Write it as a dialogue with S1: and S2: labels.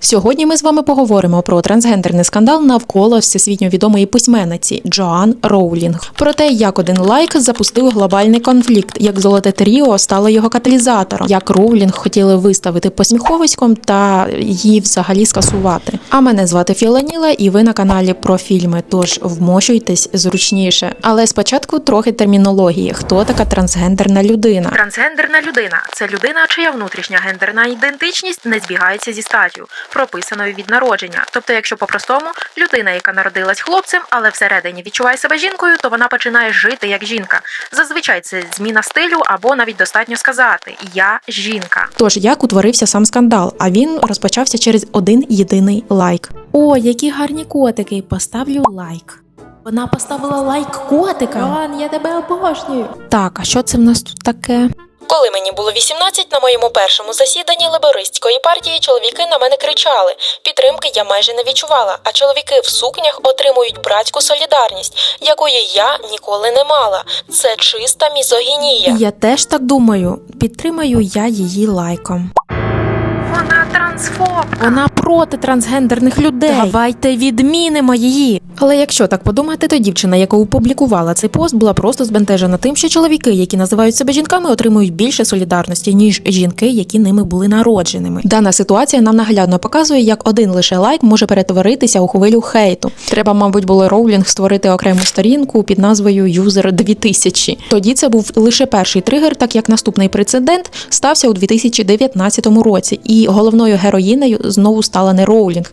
S1: Сьогодні ми з вами поговоримо про трансгендерний скандал навколо всесвітньо відомої письменниці Джоан Роулінг. Про те, як один лайк запустив глобальний конфлікт, як золоте тріо стало його каталізатором, як Роулінг хотіли виставити посміховиськом та її взагалі скасувати. А мене звати Філаніла, і ви на каналі про фільми, тож вмощуйтесь зручніше. Але спочатку трохи термінології. Хто така трансгендерна людина?
S2: Трансгендерна людина – це людина, чия внутрішня гендерна ідентичність не збігається зі статтю, прописаною від народження. Тобто, якщо по-простому, людина, яка народилась хлопцем, але всередині відчуває себе жінкою, то вона починає жити як жінка. Зазвичай це зміна стилю або навіть достатньо сказати «я жінка».
S1: Тож, як утворився сам скандал? А він розпочався через один єдиний лайк. О, які гарні котики! Поставлю лайк. Вона поставила лайк котика. Джоан, я тебе обожнюю. Так, а що це в нас тут таке?
S3: Коли мені було 18, на моєму першому засіданні лейбористської партії чоловіки на мене кричали. Підтримки я майже не відчувала, а чоловіки в сукнях отримують братську солідарність, якої я ніколи не мала. Це чиста мізогінія.
S1: Я теж так думаю. Підтримаю я її лайком.
S2: Вона трансфобка.
S1: Вона проти трансгендерних людей. Давайте відмінимо її. Але якщо так подумати, то дівчина, яка опублікувала цей пост, була просто збентежена тим, що чоловіки, які називають себе жінками, отримують більше солідарності, ніж жінки, які ними були народженими. Дана ситуація нам наглядно показує, як один лише лайк може перетворитися у хвилю хейту. Треба, мабуть, було Роулінг створити окрему сторінку під назвою User 2000. Тоді це був лише перший тригер, так як наступний прецедент стався у 2019 році. І головною героїнею знову стала не Роулінг,